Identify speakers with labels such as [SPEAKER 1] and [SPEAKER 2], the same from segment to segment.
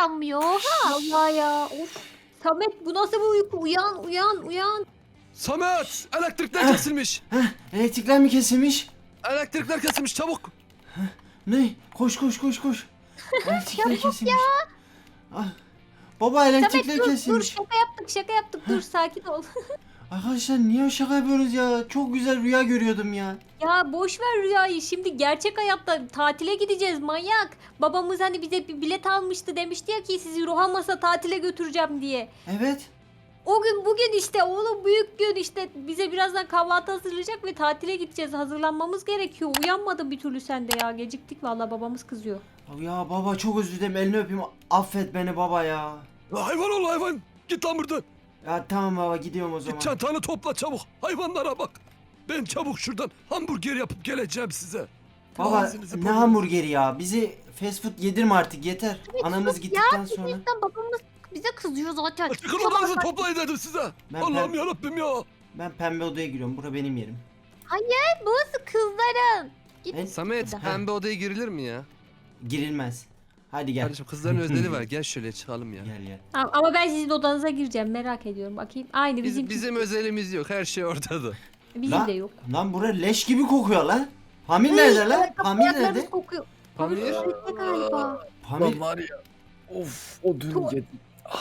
[SPEAKER 1] uyanmıyor. Oha.
[SPEAKER 2] Allah ya. Of. Samet bu nasıl bir uyku? Uyan uyan uyan.
[SPEAKER 3] Samet! Elektrikler kesilmiş.
[SPEAKER 4] Elektrikler mi kesilmiş?
[SPEAKER 3] Elektrikler kesilmiş çabuk.
[SPEAKER 4] Ne? Koş koş koş koş. Elektrikler kesilmiş. Ah. Baba elektrikler
[SPEAKER 2] Samet dur
[SPEAKER 4] kesilmiş.
[SPEAKER 2] şaka yaptık dur sakin ol.
[SPEAKER 4] Arkadaşlar niye şaka yapıyorsunuz ya? Çok güzel rüya görüyordum ya.
[SPEAKER 2] Ya boş ver rüyayı. Şimdi gerçek hayatta tatile gideceğiz manyak. Babamız hani bize bir bilet almıştı demişti ya ki sizi Rohamas'a tatile götüreceğim diye.
[SPEAKER 4] Evet.
[SPEAKER 2] O gün bugün işte oğlum büyük gün işte bize birazdan kahvaltı hazırlayacak ve tatile gideceğiz. Hazırlanmamız gerekiyor. Uyanmadın bir türlü sen de ya. Geciktik vallahi babamız kızıyor.
[SPEAKER 4] Ya baba çok özür dilerim. Elini öpeyim. Affet beni baba ya.
[SPEAKER 3] Hayvan ol hayvan. Git lan buradan.
[SPEAKER 4] Ya tamam baba gidiyorum o zaman.
[SPEAKER 3] Git çantanı topla çabuk. Hayvanlara bak. Ben çabuk şuradan hamburger yapıp geleceğim size.
[SPEAKER 4] Baba
[SPEAKER 3] Ağzınızı
[SPEAKER 4] ne
[SPEAKER 3] burnunu-
[SPEAKER 4] hamburgeri ya? Bizi fast food yedirme artık yeter. Anamız gittikten sonra.
[SPEAKER 1] Bizden babamız bize kızıyor zaten.
[SPEAKER 3] Çıkın odanızı toplayın dedim size.
[SPEAKER 4] Ben
[SPEAKER 3] Allah'ım yarabbim ya.
[SPEAKER 4] Ben pembe odaya giriyorum. Bura benim yerim.
[SPEAKER 1] Burası kızların. Git.
[SPEAKER 3] Samet
[SPEAKER 1] Burada.
[SPEAKER 3] pembe odaya girilir mi ya?
[SPEAKER 4] Girilmez. Hadi gel.
[SPEAKER 3] Kardeşim kızların özleri var. Gel şöyle çıkalım ya.
[SPEAKER 4] Gel gel.
[SPEAKER 2] Ama ben sizin odanıza gireceğim merak ediyorum bakayım. Aynı
[SPEAKER 3] Bizim özelimiz yok. Her şey ortada.
[SPEAKER 2] bizim
[SPEAKER 4] Lan-
[SPEAKER 2] de yok.
[SPEAKER 4] Lan bura leş gibi kokuyor lan. Pamir nerede lan? Pamir
[SPEAKER 2] Ayaklarımız
[SPEAKER 4] nerede?
[SPEAKER 2] kokuyor.
[SPEAKER 3] Pamir.
[SPEAKER 2] Tuvalette galiba.
[SPEAKER 4] Pamir.
[SPEAKER 5] var ya. Of o dün
[SPEAKER 2] Tu-
[SPEAKER 5] yedim.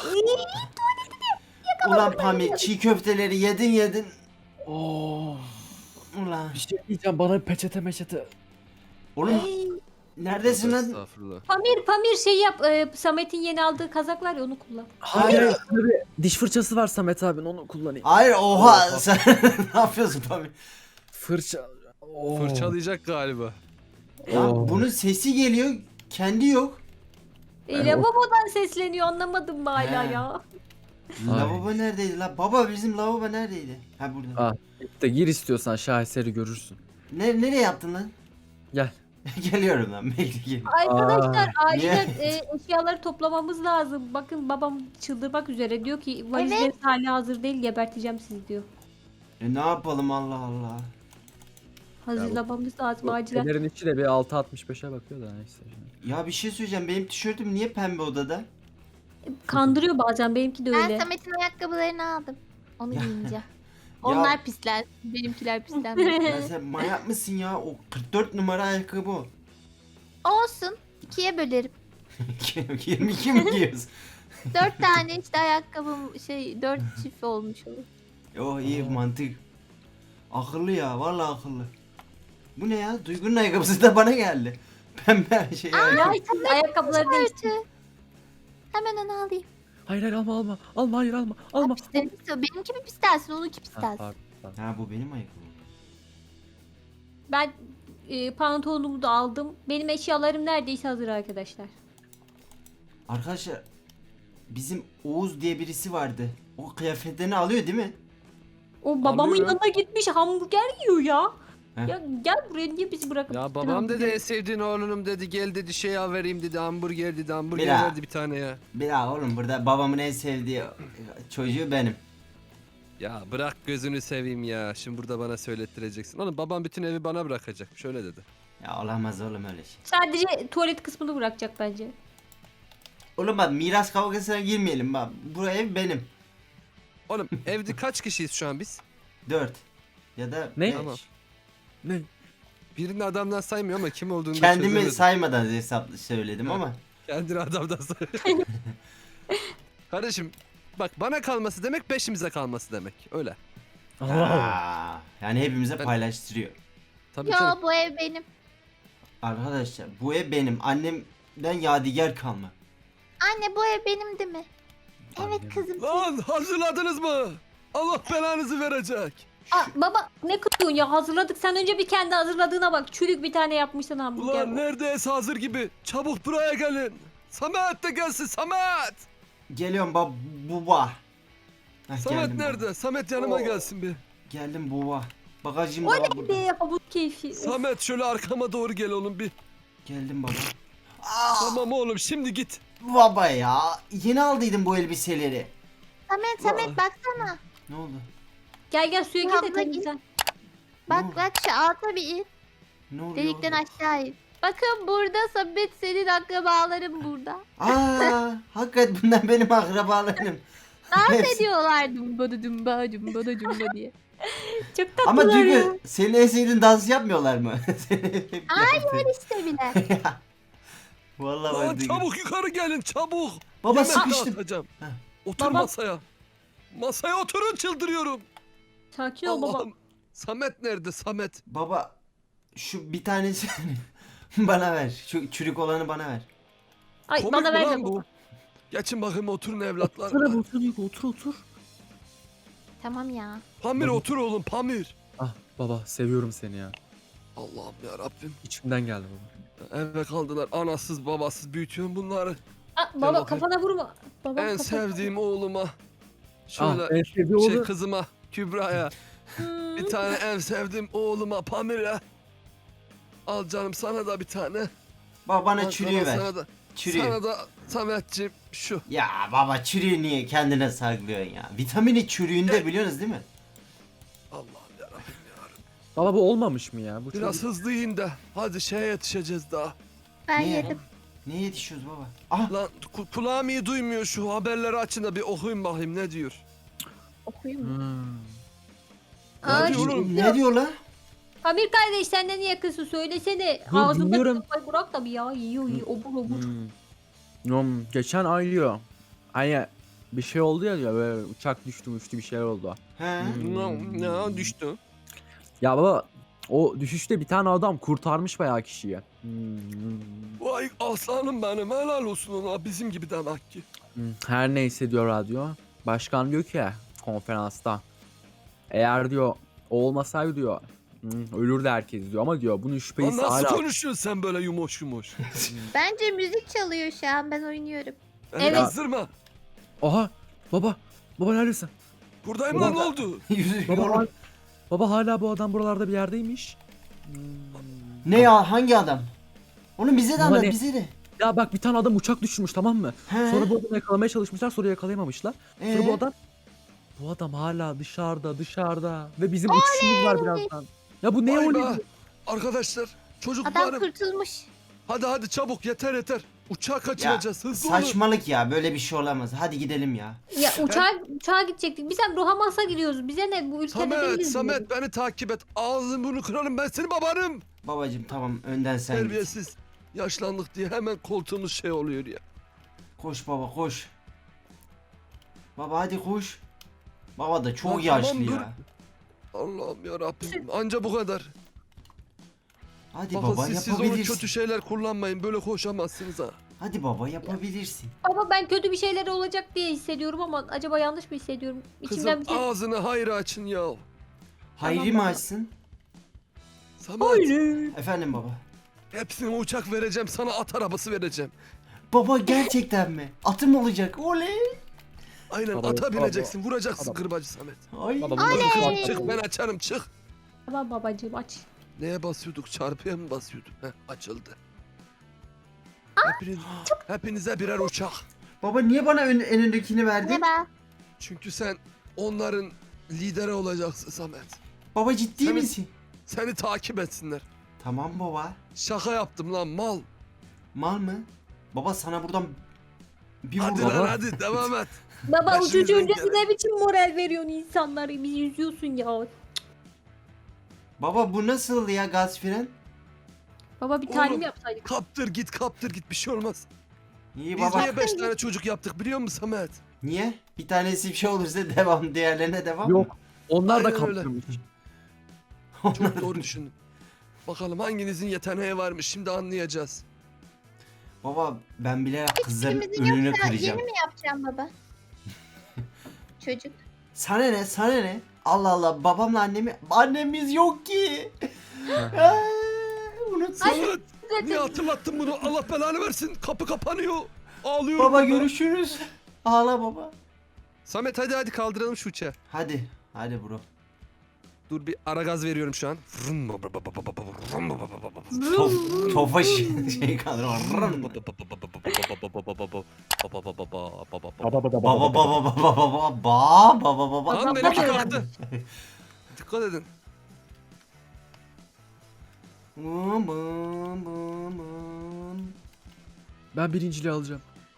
[SPEAKER 4] Ulan Pamir çiğ köfteleri yedin.
[SPEAKER 5] Oh.
[SPEAKER 4] Ulan.
[SPEAKER 5] Bir şey diyeceğim bana bir peçete meçete.
[SPEAKER 4] Oğlum neredesin lan?
[SPEAKER 3] Estağfurullah.
[SPEAKER 2] Pamir şey yap. Samet'in yeni aldığı kazak var ya onu kullan.
[SPEAKER 5] Hayır. Diş fırçası var Samet abinin onu kullanayım.
[SPEAKER 4] Hayır oha sen ne yapıyorsun Pamir?
[SPEAKER 5] Fırça. Oh.
[SPEAKER 3] Fırçalayacak galiba.
[SPEAKER 4] Ya
[SPEAKER 5] Oh.
[SPEAKER 4] bunun sesi geliyor kendi yok.
[SPEAKER 2] Lavabodan sesleniyor anlamadım mı hala
[SPEAKER 4] He.
[SPEAKER 2] ya?
[SPEAKER 5] Ay.
[SPEAKER 4] Lavabo neredeydi la? Baba bizim lavabo neredeydi? Ha burada.
[SPEAKER 5] Ah. De gir istiyorsan şaheseri görürsün.
[SPEAKER 4] Nereye yaptın lan?
[SPEAKER 5] Gel.
[SPEAKER 4] Geliyorum lan bekle gel.
[SPEAKER 2] Arkadaşlar acilen
[SPEAKER 4] niye?
[SPEAKER 2] eşyaları toplamamız lazım. Bakın babam çıldırmak üzere diyor ki valizleriniz hala hazır değil geberteceğim sizi diyor.
[SPEAKER 4] Ne yapalım Allah Allah.
[SPEAKER 2] Hazırlamamız lazım acilen.
[SPEAKER 5] Fener'in içi de bir 6.65'e bakıyor da neyse.
[SPEAKER 4] Ya bir şey söyleyeceğim benim tişörtüm niye pembe odada?
[SPEAKER 2] Kandırıyor bazen benimki de
[SPEAKER 1] Ben
[SPEAKER 2] öyle.
[SPEAKER 1] Samet'in ayakkabılarını aldım. Onu
[SPEAKER 4] Ya.
[SPEAKER 1] giyineceğim. Onlar pisler. Benimkiler pisler.
[SPEAKER 4] Ya sen manyak mısın ya? O 44 numara ayakkabı o.
[SPEAKER 1] Olsun. 2'ye bölerim.
[SPEAKER 4] 22 mi giyiyorsun?
[SPEAKER 1] 4 tane işte ayakkabım 4 çift olmuş olur.
[SPEAKER 4] Oh iyi mantık. Akıllı ya vallahi akıllı. Bu ne ya? Duygu'nun ayakkabısı da bana geldi. Pembe şey
[SPEAKER 2] Ya
[SPEAKER 4] ayakkabı.
[SPEAKER 2] işte ayakkabıları değiştir.
[SPEAKER 1] Örtü. Hemen onu alayım.
[SPEAKER 5] Hayır alma. Alma hayır alma. Alma.
[SPEAKER 1] Pislerim istiyor. Benimki mi pis dersin, onunki pis
[SPEAKER 5] Ha,
[SPEAKER 1] dersin.
[SPEAKER 5] pardon.
[SPEAKER 4] Ha bu benim ayakkabım.
[SPEAKER 2] Ben pantolonumu da aldım. Benim eşyalarım neredeyse hazır arkadaşlar.
[SPEAKER 4] Arkadaşlar bizim Oğuz diye birisi vardı. O kıyafetlerini alıyor değil mi?
[SPEAKER 2] O babamın
[SPEAKER 3] Anlıyorum.
[SPEAKER 2] yanına gitmiş hamburger yiyor ya.
[SPEAKER 4] Heh.
[SPEAKER 2] Ya gel buraya niye bizi bırakıp
[SPEAKER 3] Ya
[SPEAKER 2] gittin
[SPEAKER 3] babam dedi
[SPEAKER 2] hamburger?
[SPEAKER 3] en sevdiğin oğlunum dedi. Gel dedi şey al vereyim dedi. Hamburger dedi. Hamburger
[SPEAKER 4] Mira.
[SPEAKER 3] verdi bir tane ya.
[SPEAKER 4] Bila oğlum burada babamın en sevdiği çocuğu benim.
[SPEAKER 3] Ya bırak gözünü seveyim ya. Şimdi burada bana söylettireceksin. Oğlum babam bütün evi bana bırakacak. Şöyle dedi.
[SPEAKER 4] Ya olamaz oğlum öyle şey.
[SPEAKER 2] Sadece tuvalet kısmını bırakacak bence.
[SPEAKER 4] Oğlum bak miras kavgasına girmeyelim bak. Bu ev benim.
[SPEAKER 3] Oğlum evde kaç kişiyiz şu an biz?
[SPEAKER 4] 4 ya da
[SPEAKER 5] Ne?
[SPEAKER 4] 5.
[SPEAKER 3] Tamam.
[SPEAKER 5] Ne?
[SPEAKER 3] Birini adamdan saymıyor ama kim olduğunu da
[SPEAKER 4] Kendimi
[SPEAKER 3] çözemedim.
[SPEAKER 4] saymadan hesaplı söyledim
[SPEAKER 3] Ha.
[SPEAKER 4] ama.
[SPEAKER 3] Kendini adamdan say. Kardeşim bak bana kalması demek beşimize kalması demek. Öyle.
[SPEAKER 4] Aa, yani hepimize
[SPEAKER 3] Ben-
[SPEAKER 4] paylaştırıyor.
[SPEAKER 3] Tabii
[SPEAKER 1] Yo,
[SPEAKER 3] canım.
[SPEAKER 1] bu ev benim.
[SPEAKER 4] Arkadaşlar bu ev benim. Annemden yadigar kalma.
[SPEAKER 1] Anne, bu ev benim değil mi? Evet
[SPEAKER 5] Annem.
[SPEAKER 1] kızım.
[SPEAKER 3] Lan hazırladınız mı? Allah belanızı verecek.
[SPEAKER 2] Aa, baba ne kızıyorsun ya hazırladık. Sen önce bir kendi hazırladığına bak. Çürük bir tane yapmışsın hamburger.
[SPEAKER 3] Ulan neredeyse hazır gibi. Çabuk buraya gelin. Samet de gelsin Samet.
[SPEAKER 4] Geliyorum baba. Heh,
[SPEAKER 3] Samet
[SPEAKER 4] geldim
[SPEAKER 3] nerede?
[SPEAKER 4] baba.
[SPEAKER 3] Samet yanıma
[SPEAKER 4] Oo.
[SPEAKER 3] gelsin bir.
[SPEAKER 4] Geldim baba. Bagajım
[SPEAKER 2] O
[SPEAKER 4] da var
[SPEAKER 2] ne
[SPEAKER 4] burada.
[SPEAKER 2] be havuz keyfi. Of.
[SPEAKER 3] Samet şöyle arkama doğru gel oğlum bir.
[SPEAKER 4] Geldim baba. Aa,
[SPEAKER 3] Tamam oğlum şimdi git.
[SPEAKER 4] baba ya. Yeni aldıydım bu elbiseleri.
[SPEAKER 1] Samet
[SPEAKER 4] Aa.
[SPEAKER 1] baksana.
[SPEAKER 4] Ne oldu?
[SPEAKER 2] Gel suya
[SPEAKER 1] Ya
[SPEAKER 2] gir de
[SPEAKER 1] abla,
[SPEAKER 2] temizlen.
[SPEAKER 4] Ne oldu?
[SPEAKER 1] Bak şu alta bir in.
[SPEAKER 4] Ne oluyor?
[SPEAKER 1] Delikten aşağı in. Bakın burada Samet senin akrabaların burada.
[SPEAKER 4] Hakikaten bunlar benim akrabalarım.
[SPEAKER 1] Dans
[SPEAKER 4] Hepsi-
[SPEAKER 1] ediyorlar dumba dumba dumba dumba diye.
[SPEAKER 2] Çok
[SPEAKER 4] Ama
[SPEAKER 2] tatlılar ya.
[SPEAKER 4] Duygu senin en sevdiğin dans yapmıyorlar mı? Hep
[SPEAKER 1] Hayır işte bile.
[SPEAKER 4] Vallahi
[SPEAKER 3] Lan
[SPEAKER 4] bak Duygu.
[SPEAKER 3] çabuk yukarı gelin çabuk.
[SPEAKER 4] Baba
[SPEAKER 3] Yemek
[SPEAKER 4] sıkıştım.
[SPEAKER 3] dağıtacağım.
[SPEAKER 4] Heh.
[SPEAKER 3] Otur
[SPEAKER 2] Baba.
[SPEAKER 3] masaya. Masaya oturun çıldırıyorum.
[SPEAKER 2] Sakin ol baba.
[SPEAKER 3] Allah'ım. Samet nerede Samet?
[SPEAKER 4] Baba şu bir tanesi bana ver. Şu çürük olanı bana ver.
[SPEAKER 2] Ay
[SPEAKER 3] Komik
[SPEAKER 2] bana
[SPEAKER 3] mi
[SPEAKER 2] ver
[SPEAKER 3] lan
[SPEAKER 2] de
[SPEAKER 3] bu?
[SPEAKER 2] baba.
[SPEAKER 3] Geçin bakayım oturun evlatlar.
[SPEAKER 5] Otur abi otur Duygu otur.
[SPEAKER 1] Tamam ya.
[SPEAKER 3] Pamir
[SPEAKER 5] Baba.
[SPEAKER 3] otur oğlum Pamir.
[SPEAKER 5] Ah baba seviyorum seni ya.
[SPEAKER 3] Allah'ım ya Rabbim.
[SPEAKER 5] İçimden geldi baba.
[SPEAKER 3] Eve kaldılar anasız babasız büyütüyorum bunları.
[SPEAKER 2] Aa, baba
[SPEAKER 3] bakayım.
[SPEAKER 2] kafana vurma. Baba
[SPEAKER 3] En
[SPEAKER 2] kafana-
[SPEAKER 3] sevdiğim oğluma.
[SPEAKER 5] Ah
[SPEAKER 3] Şöyle
[SPEAKER 5] en sevdiği oğlu.
[SPEAKER 3] kızıma Kübra'ya.
[SPEAKER 2] Hmm.
[SPEAKER 3] Bir tane en sevdiğim oğluma Pamir'e. Al canım sana da bir tane.
[SPEAKER 4] Baba bana
[SPEAKER 3] Al
[SPEAKER 4] çürüğü
[SPEAKER 3] sana,
[SPEAKER 4] ver.
[SPEAKER 3] Sana da,
[SPEAKER 4] Çürüğü.
[SPEAKER 3] sana da Sametciğim şu.
[SPEAKER 4] Ya baba çürüğü niye kendine saklıyorsun ya? Vitamini çürüğünde biliyorsunuz değil mi?
[SPEAKER 3] Allah'ım yarabbim ya.
[SPEAKER 5] Baba bu olmamış mı ya? Bu
[SPEAKER 3] Biraz
[SPEAKER 5] çok...
[SPEAKER 3] hızlı yiyin de. Hadi şeye yetişeceğiz daha.
[SPEAKER 1] Ben
[SPEAKER 4] Niye?
[SPEAKER 1] yedim.
[SPEAKER 4] Neye yetişiyoruz baba? Ah
[SPEAKER 3] Lan kulağım iyi duymuyor şu haberleri açın da bir okuyun bakayım ne diyor.
[SPEAKER 1] Okuyayım mı?
[SPEAKER 5] Hmm.
[SPEAKER 3] Ne
[SPEAKER 2] Ay,
[SPEAKER 3] diyor oğlum?
[SPEAKER 4] ne diyor lan?
[SPEAKER 2] Amir kardeş senden niye yakınsın söylesene.
[SPEAKER 5] Dur,
[SPEAKER 2] Ağzında
[SPEAKER 5] dinliyorum.
[SPEAKER 2] kafayı bırak da bir ya. Yiyor obur obur.
[SPEAKER 5] Geçen ay diyor. Hani bir şey oldu ya diyor böyle uçak düştü bir şeyler oldu.
[SPEAKER 4] He?
[SPEAKER 3] Ne düştü?
[SPEAKER 5] Ya baba o düşüşte bir tane adam kurtarmış bayağı kişiyi.
[SPEAKER 3] Vay aslanım benim helal olsun ona bizim gibi demek ki.
[SPEAKER 5] Her neyse diyor radyo. Başkan diyor ki konferansta. Eğer diyor o olmasaydı diyor ölürdü herkes diyor ama diyor bunun
[SPEAKER 3] Lan
[SPEAKER 5] şüphesi
[SPEAKER 3] nasıl
[SPEAKER 5] hala.
[SPEAKER 3] konuşuyorsun sen böyle yumuş yumuş?
[SPEAKER 1] Bence müzik çalıyor şu an ben oynuyorum.
[SPEAKER 3] Beni
[SPEAKER 2] Evet.
[SPEAKER 3] kızdırma.
[SPEAKER 5] Aha baba neredesin?
[SPEAKER 3] Buradayım
[SPEAKER 5] Ulan
[SPEAKER 3] lan ne oldu?
[SPEAKER 4] Yüzü
[SPEAKER 5] Baba,
[SPEAKER 4] yorum.
[SPEAKER 5] baba hala bu adam buralarda bir yerdeymiş.
[SPEAKER 4] Ne ya hangi adam? Onu bize de anlat
[SPEAKER 5] Hani-
[SPEAKER 4] bize de.
[SPEAKER 5] Ya bak bir tane adam uçak düşürmüş tamam mı?
[SPEAKER 4] He?
[SPEAKER 5] Sonra bu adamı yakalamaya çalışmışlar sonra yakalayamamışlar. Sonra
[SPEAKER 4] Ee?
[SPEAKER 5] bu adam hala dışarıda ve bizim uçuşumuz var birazdan. Ya bu ne
[SPEAKER 3] Vay be.
[SPEAKER 5] oluyor?
[SPEAKER 1] Adam
[SPEAKER 3] Arkadaşlar çocuklarım
[SPEAKER 1] kurtulmuş.
[SPEAKER 3] hadi çabuk yeter. Uçağı kaçıracağız hızlı olun.
[SPEAKER 4] Saçmalık ya böyle bir şey olamaz. Hadi gidelim ya.
[SPEAKER 2] Ya uçağa gidecektik. Biz hem Rohamas'a gidiyoruz. Bize ne bu ülkede değiliz.
[SPEAKER 3] Samet beni takip et. Ağzını bunu kırarım ben senin babanım.
[SPEAKER 4] Babacım tamam önden sen git.
[SPEAKER 3] Terbiyesiz. Yaşlandık diye hemen koltuğumuz şey oluyor ya.
[SPEAKER 4] Koş baba koş. Baba hadi koş. Baba da çok
[SPEAKER 3] Lan
[SPEAKER 4] yaşlı
[SPEAKER 3] tamam, dur.
[SPEAKER 4] ya.
[SPEAKER 3] Allah'ım ya Rabbim. Anca bu kadar.
[SPEAKER 4] Hadi
[SPEAKER 3] Bakın
[SPEAKER 4] baba
[SPEAKER 3] siz onu
[SPEAKER 4] yapabilirsin.
[SPEAKER 3] kötü şeyler kullanmayın. Böyle koşamazsınız ha.
[SPEAKER 4] Hadi baba yapabilirsin.
[SPEAKER 2] Baba ben kötü bir şeyler olacak diye hissediyorum ama acaba yanlış mı hissediyorum? İçimden bir
[SPEAKER 3] Kızım
[SPEAKER 2] şey...
[SPEAKER 3] ağzını hayra açın ya.
[SPEAKER 4] Hayri mi açsın?
[SPEAKER 3] Samet
[SPEAKER 4] Efendim baba.
[SPEAKER 3] hepsine uçak vereceğim sana at arabası vereceğim.
[SPEAKER 4] Baba gerçekten mi? Atım olacak. Oley.
[SPEAKER 3] Aynen
[SPEAKER 5] Baba,
[SPEAKER 3] ata
[SPEAKER 5] baba.
[SPEAKER 3] bineceksin vuracaksın
[SPEAKER 5] Baba.
[SPEAKER 3] kırbacı Samet.
[SPEAKER 4] Ay.
[SPEAKER 5] Baba,
[SPEAKER 3] Çık ben açarım çık.
[SPEAKER 2] Tamam babacığım aç.
[SPEAKER 3] Neye basıyorduk çarpıya mı basıyorduk? Heh, açıldı. Hepinize birer uçak.
[SPEAKER 4] Baba niye bana en öndekini verdin?
[SPEAKER 1] Merhaba.
[SPEAKER 3] Çünkü sen onların lideri olacaksın Samet.
[SPEAKER 4] Baba ciddi
[SPEAKER 3] Senin-
[SPEAKER 4] misin?
[SPEAKER 3] Seni takip etsinler.
[SPEAKER 4] Tamam baba.
[SPEAKER 3] Şaka yaptım lan mal.
[SPEAKER 4] Mal mı? Baba sana buradan bir
[SPEAKER 3] Hadi
[SPEAKER 4] vurdum.
[SPEAKER 3] lan hadi devam et.
[SPEAKER 2] Baba
[SPEAKER 3] Başımızdan
[SPEAKER 2] uçucu öncesi
[SPEAKER 3] gelen-
[SPEAKER 2] ne biçim moral veriyorsun insanlara? Bizi yüzüyorsun ya.
[SPEAKER 4] Baba bu nasıl ya gaz fren?
[SPEAKER 2] Baba bir
[SPEAKER 3] Oğlum.
[SPEAKER 2] talim yapsaydık.
[SPEAKER 3] Kaptır git bir şey olmaz.
[SPEAKER 4] İyi
[SPEAKER 3] Biz
[SPEAKER 4] baba.
[SPEAKER 3] niye 5 tane çocuk yaptık biliyor musun Samet?
[SPEAKER 4] Niye? Bir tanesi bir şey olursa devam, diğerlerine devam mı?
[SPEAKER 5] Yok. Onlar da
[SPEAKER 3] Aynen öyle.
[SPEAKER 5] kaptırmış.
[SPEAKER 3] Çok doğru düşündüm. Bakalım hanginizin yeteneği varmış şimdi anlayacağız.
[SPEAKER 4] Baba ben bile kızların
[SPEAKER 1] Kimimizin
[SPEAKER 4] önünü
[SPEAKER 1] yoksa
[SPEAKER 4] kıracağım.
[SPEAKER 1] yeni mi yapacağım baba? Çocuk.
[SPEAKER 4] Sana ne? Sana ne? Allah Allah babamla annemiz yok ki. Unut.
[SPEAKER 3] Samet niye hatırlattın bunu Allah belanı versin kapı kapanıyor. Ağlıyorum.
[SPEAKER 4] Baba
[SPEAKER 3] burada.
[SPEAKER 4] görüşürüz. Ağla baba.
[SPEAKER 3] Samet hadi kaldıralım şu uçağı.
[SPEAKER 4] Hadi bro.
[SPEAKER 3] Dur bir ara gaz veriyorum şu an.
[SPEAKER 4] Tofaş şey kalır. Baba baba baba baba.
[SPEAKER 3] Lan benimki kalktı. Dikkat edin.
[SPEAKER 5] Ben birinciliği alacağım.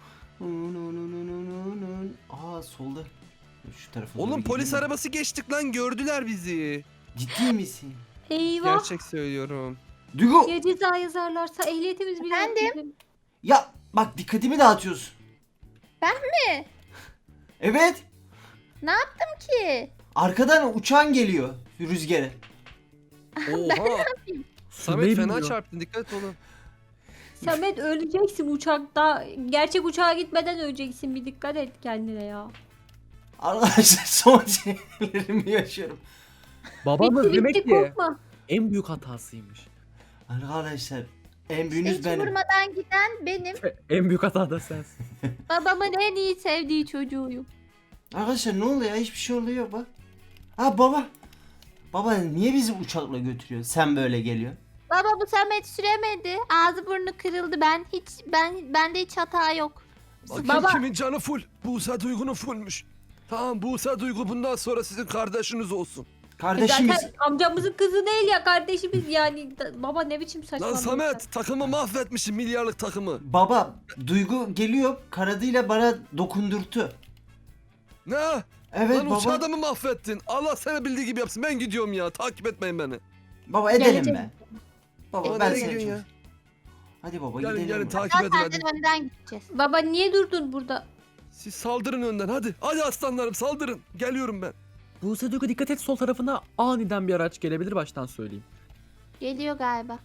[SPEAKER 4] Aa solda. Şu tarafa doğru
[SPEAKER 3] Oğlum polis
[SPEAKER 4] gidelim.
[SPEAKER 3] arabası geçtik lan, gördüler bizi.
[SPEAKER 4] Ciddi misin?
[SPEAKER 2] Eyvah.
[SPEAKER 3] Gerçek söylüyorum.
[SPEAKER 4] Duygu.
[SPEAKER 2] Ya ceza yazarlarsa ehliyetimiz bile yok
[SPEAKER 1] Efendim?
[SPEAKER 2] bizim.
[SPEAKER 4] Ya bak dikkatimi dağıtıyorsun.
[SPEAKER 1] Ben mi?
[SPEAKER 4] Evet.
[SPEAKER 1] Ne yaptım ki?
[SPEAKER 4] Arkadan uçağın geliyor rüzgarı.
[SPEAKER 3] Oha. Samet
[SPEAKER 5] Sürmeyi
[SPEAKER 3] fena
[SPEAKER 5] bilmiyor.
[SPEAKER 3] çarptın, dikkat et oğlum.
[SPEAKER 2] Samet öleceksin uçakta. Gerçek uçağa gitmeden öleceksin. Bir dikkat et kendine ya.
[SPEAKER 4] Arkadaşlar son şeylerimi yaşıyorum.
[SPEAKER 5] Babamız
[SPEAKER 2] Bitti
[SPEAKER 5] demek
[SPEAKER 2] bitti
[SPEAKER 5] ki
[SPEAKER 2] korkma.
[SPEAKER 5] en büyük hatasıymış.
[SPEAKER 4] Arkadaşlar en
[SPEAKER 1] İşte
[SPEAKER 4] büyüğünüz
[SPEAKER 1] hiç
[SPEAKER 4] benim.
[SPEAKER 1] vurmadan giden benim.
[SPEAKER 5] En büyük hata da sensin.
[SPEAKER 1] Babamın en iyi sevdiği çocuğuyum.
[SPEAKER 4] Arkadaşlar ne oluyor ya? Hiçbir şey oluyor bak. Ha baba. Baba niye bizi uçakla götürüyor? Sen böyle geliyor.
[SPEAKER 1] Baba bu Samet süremedi. Ağzı burnu kırıldı. Bende hiç hata yok.
[SPEAKER 3] Bakayım
[SPEAKER 2] Baba-
[SPEAKER 3] kimin canı full. Buse Duygu'nun fullmüş. Tamam, Buse Duygu bundan sonra sizin kardeşiniz olsun.
[SPEAKER 4] Kardeşimiz.
[SPEAKER 2] Zaten amcamızın kızı değil ya kardeşimiz yani. Baba ne biçim
[SPEAKER 3] Lan
[SPEAKER 2] saçmalıyorsun?
[SPEAKER 3] Samet, takımı mahvetmişsin, milyarlık takımı.
[SPEAKER 4] Baba Duygu geliyor kanadıyla bana dokundurtu.
[SPEAKER 3] Ne?
[SPEAKER 4] Evet
[SPEAKER 3] Lan
[SPEAKER 4] baba.
[SPEAKER 3] uçağı da mı mahvettin? Allah sana bildiği gibi yapsın. Ben gidiyorum ya. Takip etmeyin beni.
[SPEAKER 4] Baba edelim
[SPEAKER 2] Geleceğim.
[SPEAKER 4] be. Baba
[SPEAKER 3] Aa,
[SPEAKER 4] ben
[SPEAKER 3] nereye
[SPEAKER 4] seni
[SPEAKER 3] gidiyorsun
[SPEAKER 4] çok...
[SPEAKER 3] ya?
[SPEAKER 4] Hadi baba
[SPEAKER 3] Gelin
[SPEAKER 4] gidelim.
[SPEAKER 3] gelin,
[SPEAKER 4] baba.
[SPEAKER 3] takip edin hadi.
[SPEAKER 1] Senden önden gideceğiz.
[SPEAKER 2] Baba niye durdun burada?
[SPEAKER 3] Siz saldırın önden hadi. Hadi aslanlarım, saldırın. Geliyorum ben.
[SPEAKER 5] Buse Duygu dikkat et, sol tarafına aniden bir araç gelebilir, baştan söyleyeyim.
[SPEAKER 1] Geliyor galiba.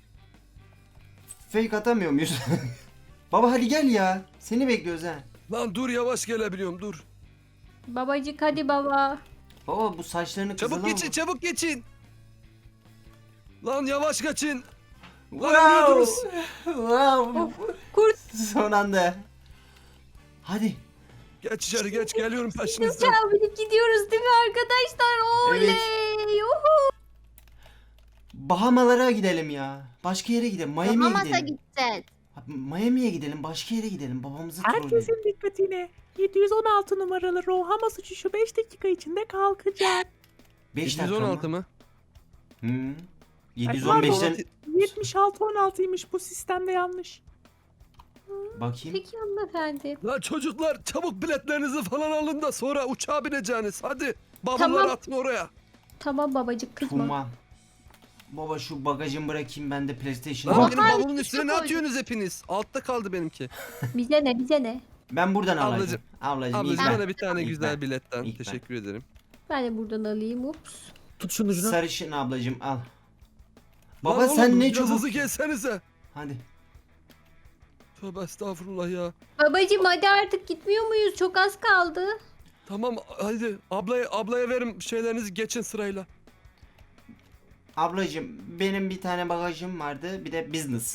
[SPEAKER 4] Fake atamıyor muyuz? Baba hadi gel ya. Seni bekliyoruz ha.
[SPEAKER 3] Lan dur, yavaş gelebiliyorum, dur.
[SPEAKER 2] Babacık hadi baba.
[SPEAKER 4] Baba bu saçlarını
[SPEAKER 3] Çabuk
[SPEAKER 4] kızılan
[SPEAKER 3] geçin, çabuk geçin. Lan yavaş geçin. Lan
[SPEAKER 4] Wow.
[SPEAKER 3] ölüyordunuz.
[SPEAKER 4] Wow.
[SPEAKER 2] Kurt
[SPEAKER 4] Son anda. Hadi.
[SPEAKER 3] Geç içeri geç, geliyorum peşinizden.
[SPEAKER 2] uçağa binip gidiyoruz değil mi arkadaşlar? Oley.
[SPEAKER 4] Evet.
[SPEAKER 2] Yuhu.
[SPEAKER 4] Bahamalara gidelim ya. Başka yere gidelim. Miami'ye
[SPEAKER 1] Bahamas'a
[SPEAKER 4] gidelim.
[SPEAKER 1] gideceğiz.
[SPEAKER 4] Miami'ye gidelim. Başka yere gidelim. Babamızı trolleyelim.
[SPEAKER 6] Herkesin dikkatine. 716 numaralı Rohama uçuşu 5 dakika içinde kalkacak.
[SPEAKER 4] 5 dakika
[SPEAKER 3] 116
[SPEAKER 4] mı?
[SPEAKER 3] mı?
[SPEAKER 4] Hı. 715'ten
[SPEAKER 6] 76-16'ymış bu sistemde yanlış.
[SPEAKER 4] bakayım.
[SPEAKER 2] Peki hanımefendi.
[SPEAKER 3] Lan çocuklar, çabuk biletlerinizi falan alın da sonra uçağa bineceğiniz. Hadi bavulları
[SPEAKER 2] Tamam.
[SPEAKER 3] atın oraya.
[SPEAKER 2] Tamam babacık kızma.
[SPEAKER 4] Tuma. Baba şu bagajımı bırakayım ben de PlayStation.
[SPEAKER 3] Lan
[SPEAKER 1] Oha,
[SPEAKER 3] benim bavulumun
[SPEAKER 1] bir
[SPEAKER 3] üstüne
[SPEAKER 1] şey
[SPEAKER 3] ne
[SPEAKER 1] koydum.
[SPEAKER 3] atıyorsunuz hepiniz? Altta kaldı benimki.
[SPEAKER 2] Bize ne bize ne?
[SPEAKER 4] Ben buradan alacağım.
[SPEAKER 3] Ablacım.
[SPEAKER 4] Ablacım,
[SPEAKER 3] Ablacığım
[SPEAKER 4] ilk ben.
[SPEAKER 3] bana bir tane
[SPEAKER 4] İlk
[SPEAKER 3] güzel
[SPEAKER 4] ben.
[SPEAKER 3] biletten.
[SPEAKER 4] İlk ben.
[SPEAKER 3] Teşekkür ederim.
[SPEAKER 2] Ben de buradan alayım. Ups.
[SPEAKER 5] Tut şunun ucunu.
[SPEAKER 4] Sarışın ablacım al. Baba
[SPEAKER 3] Lan oğlum,
[SPEAKER 4] sen ne
[SPEAKER 3] biraz
[SPEAKER 4] çabuk.
[SPEAKER 3] hızlı gelsenize.
[SPEAKER 4] Hadi.
[SPEAKER 3] Tövbe estağfurullah ya.
[SPEAKER 2] Babacım hadi artık gitmiyor muyuz? Çok az kaldı.
[SPEAKER 3] Tamam hadi ablaya verin şeylerinizi, geçin sırayla.
[SPEAKER 4] Ablacım benim bir tane bagajım vardı. Bir de business.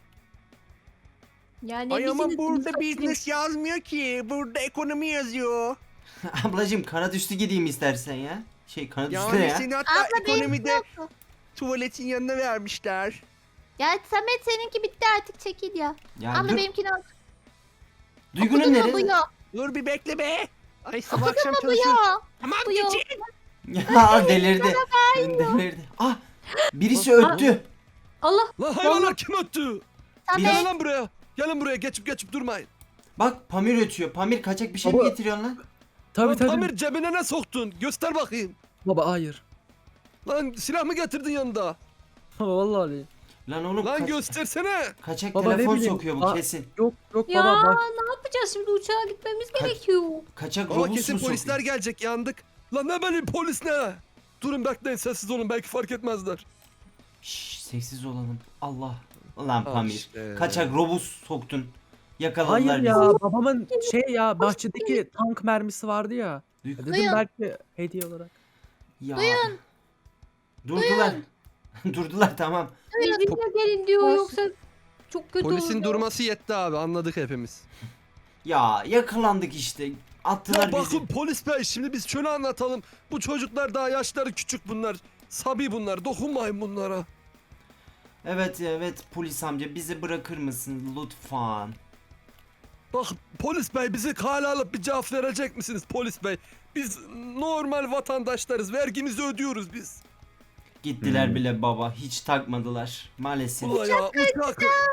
[SPEAKER 2] Yani
[SPEAKER 6] Ay ama
[SPEAKER 2] bizim
[SPEAKER 6] burada
[SPEAKER 2] bizim-
[SPEAKER 6] business yazmıyor ki. Burada ekonomi yazıyor.
[SPEAKER 4] Ablacım kanat üstü gideyim istersen ya. Kanat üstü ne
[SPEAKER 6] Yani
[SPEAKER 4] ya?
[SPEAKER 6] seni hatta
[SPEAKER 1] Abla benim
[SPEAKER 6] ekonomide
[SPEAKER 1] yok.
[SPEAKER 6] tuvaletin yanına vermişler.
[SPEAKER 1] Ya Samet seninki bitti artık, çekil ya.
[SPEAKER 4] Ya
[SPEAKER 1] Abla
[SPEAKER 4] dur.
[SPEAKER 1] benimkini al.
[SPEAKER 4] Duygu'nun
[SPEAKER 1] Okudun mu bu
[SPEAKER 4] nerede?
[SPEAKER 1] yok?
[SPEAKER 6] Dur bir bekle be. Ay sabah
[SPEAKER 1] Okudun
[SPEAKER 6] akşam
[SPEAKER 1] mu bu
[SPEAKER 6] çalışıyorum.
[SPEAKER 1] yok?
[SPEAKER 6] Tamam
[SPEAKER 1] Bu yok.
[SPEAKER 6] geçin.
[SPEAKER 4] Ya delirdi. Delirdi. Ah birisi öttü.
[SPEAKER 2] Allah
[SPEAKER 3] Lan hayvanlar, kim öttü? Gelin
[SPEAKER 1] Samet.
[SPEAKER 3] lan buraya. Gelin buraya, geçip durmayın.
[SPEAKER 4] Bak Pamir ötüyor. Pamir kaçak bir şey mi
[SPEAKER 5] Baba.
[SPEAKER 4] getiriyorsun lan?
[SPEAKER 5] Tabii
[SPEAKER 3] Lan
[SPEAKER 5] tabii.
[SPEAKER 3] Pamir, cebine ne soktun? Göster bakayım.
[SPEAKER 5] Baba hayır.
[SPEAKER 3] Lan silah mı getirdin yanında?
[SPEAKER 5] Vallahi değil.
[SPEAKER 4] Lan oğlum
[SPEAKER 3] Lan göstersene.
[SPEAKER 4] kaçak
[SPEAKER 5] Baba, ne
[SPEAKER 4] telefon
[SPEAKER 5] bileyim.
[SPEAKER 4] sokuyor bu
[SPEAKER 5] Aa.
[SPEAKER 4] kesin.
[SPEAKER 5] Yok
[SPEAKER 2] ya
[SPEAKER 5] baba bak.
[SPEAKER 2] ne yapacağız şimdi uçağa gitmemiz gerekiyor.
[SPEAKER 4] Kaçak
[SPEAKER 3] Ama
[SPEAKER 4] robot
[SPEAKER 3] kesin
[SPEAKER 4] mu
[SPEAKER 3] polisler
[SPEAKER 4] sokuyor?
[SPEAKER 3] gelecek, yandık. Lan ne benim polis ne? Durun bekleyin, sessiz olun, belki fark etmezler.
[SPEAKER 4] Şşş sessiz olalım. Allah. Lan
[SPEAKER 3] Al
[SPEAKER 4] Pamir.
[SPEAKER 3] işte.
[SPEAKER 4] Kaçak robot soktun. Yakaladılar
[SPEAKER 5] Hayır
[SPEAKER 4] bizi.
[SPEAKER 5] ya, babamın bahçedeki tank mermisi vardı ya.
[SPEAKER 4] Duygu-
[SPEAKER 5] Dedim
[SPEAKER 1] Duyun.
[SPEAKER 5] belki hediye olarak.
[SPEAKER 4] Ya.
[SPEAKER 1] Duyun.
[SPEAKER 4] Durdular. Durdular tamam.
[SPEAKER 2] Bizimle gelin diyor
[SPEAKER 1] Olsun.
[SPEAKER 2] yoksa çok kötü
[SPEAKER 3] Polisin
[SPEAKER 2] olur.
[SPEAKER 3] durması yetti abi, anladık hepimiz.
[SPEAKER 4] Ya yakalandık işte. Attılar
[SPEAKER 3] Ya
[SPEAKER 4] bizi.
[SPEAKER 3] bakın polis bey, şimdi biz şöyle anlatalım. Bu çocuklar daha yaşları küçük bunlar. Sabi bunlar, dokunmayın bunlara.
[SPEAKER 4] Evet evet polis amca bizi bırakır mısın lütfen?
[SPEAKER 3] Bak polis bey, bizi kale alıp bir cevap verecek misiniz polis bey? Biz normal vatandaşlarız, vergimizi ödüyoruz biz.
[SPEAKER 4] Gittiler bile baba hiç takmadılar maalesef.
[SPEAKER 3] Ula ya uçak.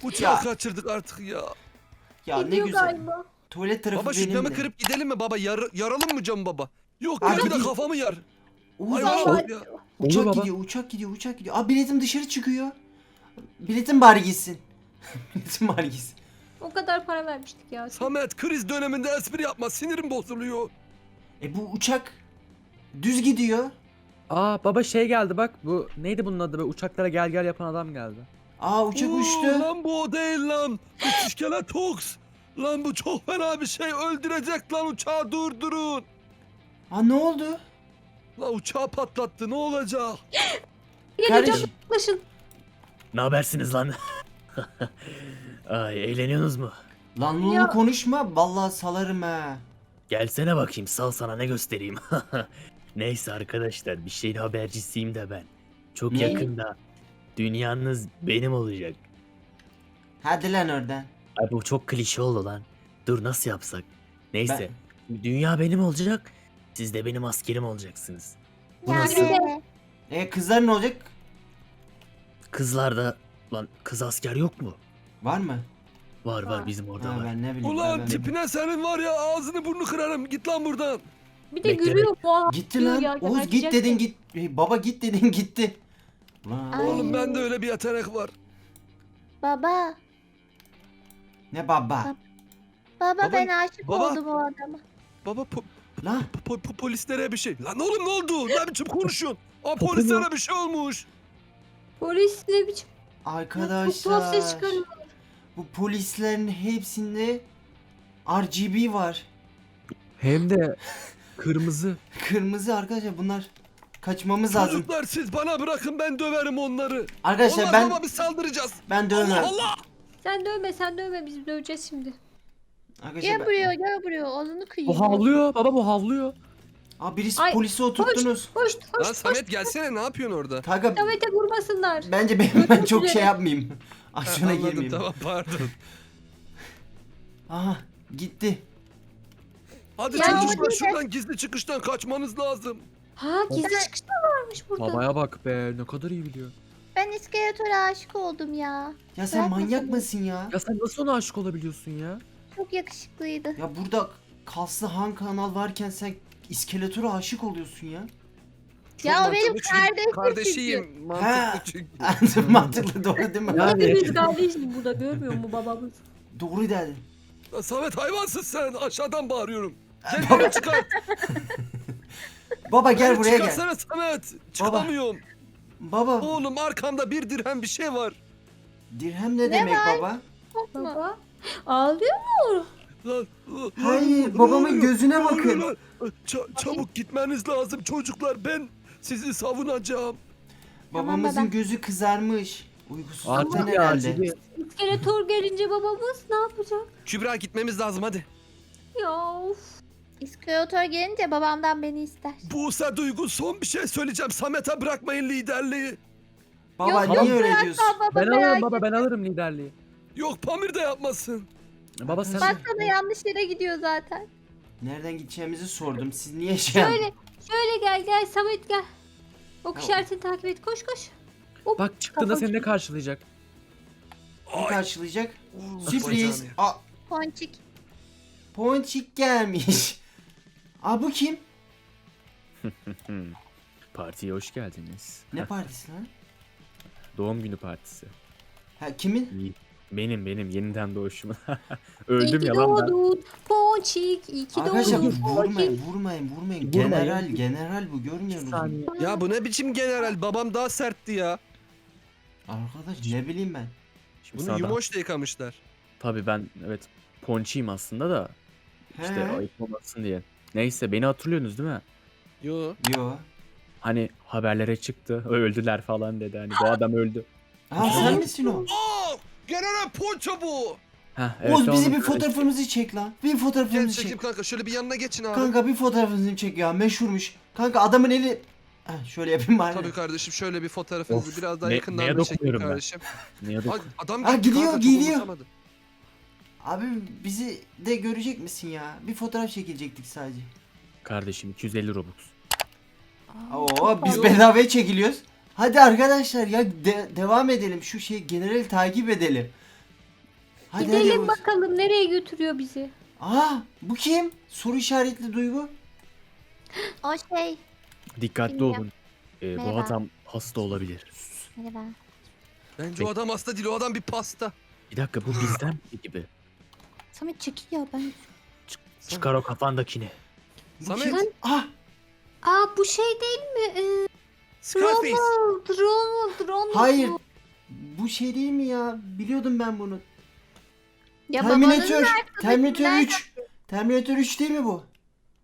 [SPEAKER 3] Uçağı
[SPEAKER 4] Ya.
[SPEAKER 3] kaçırdık artık ya.
[SPEAKER 4] Ya ne
[SPEAKER 2] Gidiyor
[SPEAKER 4] güzel.
[SPEAKER 2] galiba.
[SPEAKER 4] Tuvalet tarafı
[SPEAKER 3] Baba şu
[SPEAKER 4] benim
[SPEAKER 3] camı
[SPEAKER 4] de.
[SPEAKER 3] kırıp gidelim mi baba? Yaralım mı camı baba? Yok
[SPEAKER 4] Abi
[SPEAKER 3] ya bir de
[SPEAKER 4] değil.
[SPEAKER 3] kafamı yar.
[SPEAKER 4] Oğuz,
[SPEAKER 3] Hayvana
[SPEAKER 2] Vallahi-
[SPEAKER 3] bak ya.
[SPEAKER 4] uçak
[SPEAKER 5] Olur baba.
[SPEAKER 4] gidiyor, uçak gidiyor, uçak gidiyor. Aa biletim dışarı çıkıyor. Biletim bari gitsin. Biletim bari gitsin.
[SPEAKER 2] O kadar para vermiştik ya.
[SPEAKER 3] Samet kriz döneminde espri yapma sinirim bozuluyor.
[SPEAKER 4] Bu uçak düz gidiyor.
[SPEAKER 5] Aa baba şey geldi bak. Bu neydi bunun adı be? Uçaklara gel gel yapan adam geldi.
[SPEAKER 4] Aa uçak
[SPEAKER 3] Oo,
[SPEAKER 4] uçtu.
[SPEAKER 3] Lan bu o değil lan. Bu İskeletoks. Lan bu çok fena bir şey öldürecek lan uçağı durdurun.
[SPEAKER 4] Aa ne oldu?
[SPEAKER 3] Lan uçağı patlattı ne olacak?
[SPEAKER 2] Geleceğim
[SPEAKER 4] Kardeşim.
[SPEAKER 2] yaklaşın.
[SPEAKER 7] Ne habersiniz lan? Ay eğleniyorsunuz mu?
[SPEAKER 4] Lan
[SPEAKER 2] Ya.
[SPEAKER 4] onu konuşma. Vallahi salarım ha.
[SPEAKER 7] Gelsene bakayım sal sana ne göstereyim. Neyse arkadaşlar bir şeyin habercisiyim de ben. Çok
[SPEAKER 4] Ne?
[SPEAKER 7] yakında dünyanız benim olacak.
[SPEAKER 4] Hadi lan oradan.
[SPEAKER 7] Ay bu çok klişe oldu lan. Dur nasıl yapsak? Neyse. Dünya benim olacak. Siz de benim askerim olacaksınız. Bu
[SPEAKER 1] Ya
[SPEAKER 7] nasıl?
[SPEAKER 1] be.
[SPEAKER 4] Kızlar ne olacak?
[SPEAKER 7] Kızlarda lan kız asker yok mu?
[SPEAKER 4] Var mı?
[SPEAKER 7] Var bizim orada
[SPEAKER 4] Ha,
[SPEAKER 7] var.
[SPEAKER 4] ben ne bileyim.
[SPEAKER 3] Ulan
[SPEAKER 4] ben-
[SPEAKER 3] tipine senin var ya ağzını burnunu kırarım git lan buradan.
[SPEAKER 2] Bir de
[SPEAKER 7] Bekle,
[SPEAKER 2] gülüyor bu.
[SPEAKER 4] Gitti
[SPEAKER 2] diyor
[SPEAKER 4] lan.
[SPEAKER 2] ya,
[SPEAKER 4] Oğuz git
[SPEAKER 2] gebertecek
[SPEAKER 4] dedin
[SPEAKER 2] mi?
[SPEAKER 4] git. Baba git dedin gitti. Ulan.
[SPEAKER 1] Ay.
[SPEAKER 3] Oğlum bende öyle bir yetenek var.
[SPEAKER 1] Baba.
[SPEAKER 4] Ne baba?
[SPEAKER 1] Baba,
[SPEAKER 3] Baba-
[SPEAKER 1] ben aşık
[SPEAKER 3] baba.
[SPEAKER 1] oldum o adama.
[SPEAKER 3] Baba
[SPEAKER 4] Lan.
[SPEAKER 3] polislere bir şey. Lan oğlum ne oldu? Ne biçim konuşuyorsun? Aa
[SPEAKER 5] Popom
[SPEAKER 3] polislere bir şey olmuş.
[SPEAKER 2] Polis ne biçim? Çok tuhaf ses
[SPEAKER 4] Arkadaşlar.
[SPEAKER 2] çıkarıyor.
[SPEAKER 4] Bu polislerin hepsinde RGB var.
[SPEAKER 5] Hem de kırmızı.
[SPEAKER 4] Kırmızı arkadaşlar bunlar. Kaçmamız lazım.
[SPEAKER 3] Çocuklar siz bana bırakın ben döverim onları.
[SPEAKER 4] Arkadaşlar
[SPEAKER 3] Olmaz
[SPEAKER 4] ben
[SPEAKER 3] baba biz saldıracağız.
[SPEAKER 4] ben dövmem.
[SPEAKER 3] Allah Allah.
[SPEAKER 2] Sen dövme biz döveceğiz şimdi.
[SPEAKER 4] Arkadaşlar
[SPEAKER 1] Gel buraya gel buraya. Ağzını kıyıyor.
[SPEAKER 5] Bu havlıyor baba bu havlıyor.
[SPEAKER 4] Aa birisi
[SPEAKER 2] Ay,
[SPEAKER 4] polisi oturttunuz.
[SPEAKER 2] Hoş
[SPEAKER 3] Lan
[SPEAKER 2] hoş hoş.
[SPEAKER 3] Samet gelsene ne yapıyorsun orada?
[SPEAKER 4] Kanka
[SPEAKER 2] Samet'e vurmasınlar.
[SPEAKER 4] bence ben çok şey yapmayayım. Aksiyona
[SPEAKER 3] Anladım,
[SPEAKER 4] girmeyeyim.
[SPEAKER 3] tamam pardon.
[SPEAKER 4] Aha gitti.
[SPEAKER 3] Hadi
[SPEAKER 1] Ya
[SPEAKER 3] çocuklar
[SPEAKER 1] hadi.
[SPEAKER 3] şuradan gizli çıkıştan kaçmanız lazım.
[SPEAKER 2] Ha gizli çıkış da varmış burada.
[SPEAKER 5] Babaya bak be ne kadar iyi biliyor.
[SPEAKER 1] Ben iskeletora aşık oldum ya.
[SPEAKER 4] Ya sen
[SPEAKER 1] Bırakma
[SPEAKER 4] manyak
[SPEAKER 1] seni.
[SPEAKER 4] mısın ya?
[SPEAKER 5] Ya sen nasıl ona aşık olabiliyorsun ya?
[SPEAKER 1] Çok yakışıklıydı.
[SPEAKER 4] Ya burada kaslı Han kanal varken sen iskeletora aşık oluyorsun ya.
[SPEAKER 3] Çok
[SPEAKER 1] Ya o benim
[SPEAKER 3] mantıklı çünkü
[SPEAKER 1] kardeşim
[SPEAKER 3] Kardeşiyim mantıklı çünkü.
[SPEAKER 4] Mantıklı doğru değil mi?
[SPEAKER 5] Yani.
[SPEAKER 2] Hepimiz kardeşiz burada görmüyor mu babamız?
[SPEAKER 4] Doğru dedin.
[SPEAKER 3] Lan Samet hayvansın sen aşağıdan bağırıyorum. Gel
[SPEAKER 4] Baba-
[SPEAKER 3] beni çıkar.
[SPEAKER 4] Baba gel buraya gel.
[SPEAKER 3] Çıkarsana Samet. Çıkamıyorum.
[SPEAKER 4] Baba
[SPEAKER 3] Oğlum arkamda bir dirhem bir şey var.
[SPEAKER 4] dirhem ne demek
[SPEAKER 1] var?
[SPEAKER 4] baba?
[SPEAKER 1] Çok mu?
[SPEAKER 2] Baba ağlıyor mu?
[SPEAKER 3] Lan,
[SPEAKER 4] Hayır,
[SPEAKER 3] lan,
[SPEAKER 4] babamın
[SPEAKER 3] lan,
[SPEAKER 4] gözüne
[SPEAKER 3] lan,
[SPEAKER 4] bakın.
[SPEAKER 3] lan. Çabuk gitmeniz lazım çocuklar. Ben sizi savunacağım.
[SPEAKER 4] Babamızın
[SPEAKER 1] baba.
[SPEAKER 4] gözü kızarmış. Uykusuzluktan
[SPEAKER 5] Acil ya
[SPEAKER 4] herhalde.
[SPEAKER 5] acil.
[SPEAKER 2] İskeletor gelince babamız ne yapacak?
[SPEAKER 3] Kübra gitmemiz lazım hadi.
[SPEAKER 2] Ya of.
[SPEAKER 1] İskeletor gelince babamdan beni ister.
[SPEAKER 3] Buse Duygu son bir şey söyleyeceğim. Samet'e bırakmayın liderliği.
[SPEAKER 4] Baba
[SPEAKER 1] Yok,
[SPEAKER 4] niye öyle diyorsun?
[SPEAKER 1] Baba
[SPEAKER 5] Ben
[SPEAKER 1] merak
[SPEAKER 5] alırım baba ben alırım liderliği.
[SPEAKER 3] Yok Pamir de yapmasın.
[SPEAKER 5] Baba sen
[SPEAKER 1] Baksana yanlış yere gidiyor zaten.
[SPEAKER 4] Nereden gideceğimizi sordum. Siz niye şey yaptınız?
[SPEAKER 2] Şöyle gel Samet gel. Ok
[SPEAKER 4] Tamam.
[SPEAKER 2] işaretini takip et koş. Hop.
[SPEAKER 5] bak çıktığında seni ne karşılayacak?
[SPEAKER 4] Ne karşılayacak?
[SPEAKER 3] Oo,
[SPEAKER 4] Sürpriz.
[SPEAKER 3] bacağını.
[SPEAKER 4] Aa,
[SPEAKER 1] Ponçik.
[SPEAKER 4] Ponçik gelmiş. Aa bu kim?
[SPEAKER 7] Partiye hoş geldiniz.
[SPEAKER 4] Ne partisi lan?
[SPEAKER 7] Doğum günü partisi.
[SPEAKER 4] Ha kimin?
[SPEAKER 7] Benim yeniden doğuşum.
[SPEAKER 2] İyi
[SPEAKER 7] Öldüm
[SPEAKER 2] ki
[SPEAKER 7] ya lan ben.
[SPEAKER 2] doğdun. Ponçik. İyi ki
[SPEAKER 4] Arkadaşlar
[SPEAKER 2] doğdun.
[SPEAKER 4] vurmayın.
[SPEAKER 5] Vurmayın.
[SPEAKER 4] General bu
[SPEAKER 5] Bir
[SPEAKER 4] görmüyorsunuz. mu?
[SPEAKER 5] saniye.
[SPEAKER 3] Ya bu ne biçim general? Babam daha sertti ya.
[SPEAKER 4] Arkadaş ne bileyim ben.
[SPEAKER 7] Şimdi
[SPEAKER 3] Bunu
[SPEAKER 7] sağdan-
[SPEAKER 3] yumoşla yıkamışlar.
[SPEAKER 7] Tabii ben evet ponçiyim aslında da işte
[SPEAKER 4] He.
[SPEAKER 7] ayıp olmasın diye. Neyse beni hatırlıyorsunuz değil mi?
[SPEAKER 3] Yo.
[SPEAKER 4] Yo.
[SPEAKER 7] Hani haberlere çıktı öldüler falan dedi hani bu adam öldü.
[SPEAKER 4] Ha sen misin o?
[SPEAKER 3] Aa! General Ponço bu.
[SPEAKER 7] Heh,
[SPEAKER 4] Oğuz bizi
[SPEAKER 7] onun
[SPEAKER 4] bir fotoğrafımızı çek lan. Bir
[SPEAKER 3] Gel
[SPEAKER 4] fotoğrafımızı
[SPEAKER 3] çekeyim
[SPEAKER 4] çek.
[SPEAKER 3] kanka. Şöyle bir yanına geçin abi.
[SPEAKER 4] Kanka bir fotoğrafımızı çek ya. Meşhurmuş. Kanka adamın eli... Heh, şöyle yapayım bari.
[SPEAKER 3] Tabii kardeşim şöyle bir fotoğrafınızı
[SPEAKER 7] Of,
[SPEAKER 3] biraz daha
[SPEAKER 7] ne-
[SPEAKER 3] yakından
[SPEAKER 7] neye
[SPEAKER 3] bir çekin
[SPEAKER 7] dokunuyorum ben?
[SPEAKER 3] kardeşim.
[SPEAKER 7] Ne
[SPEAKER 3] Bak, adam
[SPEAKER 4] Ha,
[SPEAKER 3] gitti
[SPEAKER 4] gidiyor,
[SPEAKER 3] kanka, çok
[SPEAKER 4] gidiyor.
[SPEAKER 3] umursamadı.
[SPEAKER 4] Abi bizi de görecek misin ya? Bir fotoğraf çekilecektik sadece.
[SPEAKER 7] Kardeşim 250 Robux.
[SPEAKER 4] Oo biz
[SPEAKER 3] Yok.
[SPEAKER 4] bedavaya çekiliyoruz. Hadi arkadaşlar ya devam edelim. Şu şey generali takip edelim. Hadi
[SPEAKER 2] Gidelim
[SPEAKER 4] hadi Yavuz.
[SPEAKER 2] bakalım nereye götürüyor bizi.
[SPEAKER 4] Aa, bu kim? Soru işaretli Duygu.
[SPEAKER 1] O şey.
[SPEAKER 7] Dikkatli
[SPEAKER 1] Bilmiyorum.
[SPEAKER 7] olun. Bu
[SPEAKER 1] Merhaba.
[SPEAKER 7] adam hasta olabilir.
[SPEAKER 1] Merhaba.
[SPEAKER 3] Bence o adam hasta değil, o adam bir pasta.
[SPEAKER 7] Bir dakika bu bizden biri gibi.
[SPEAKER 1] Samet çekil ya ben.
[SPEAKER 7] Çıkar o kafandakini.
[SPEAKER 4] Bu
[SPEAKER 3] Samet.
[SPEAKER 4] kim? Ah,
[SPEAKER 2] Aa bu şey değil mi?
[SPEAKER 3] Scarface.
[SPEAKER 2] Ronald.
[SPEAKER 4] hayır. Bu şey değil mi ya? Biliyordum ben bunu.
[SPEAKER 1] Ya
[SPEAKER 4] Terminator.
[SPEAKER 1] babanın
[SPEAKER 4] Terminator
[SPEAKER 1] nereden-
[SPEAKER 4] 3. Terminator 3 değil mi bu?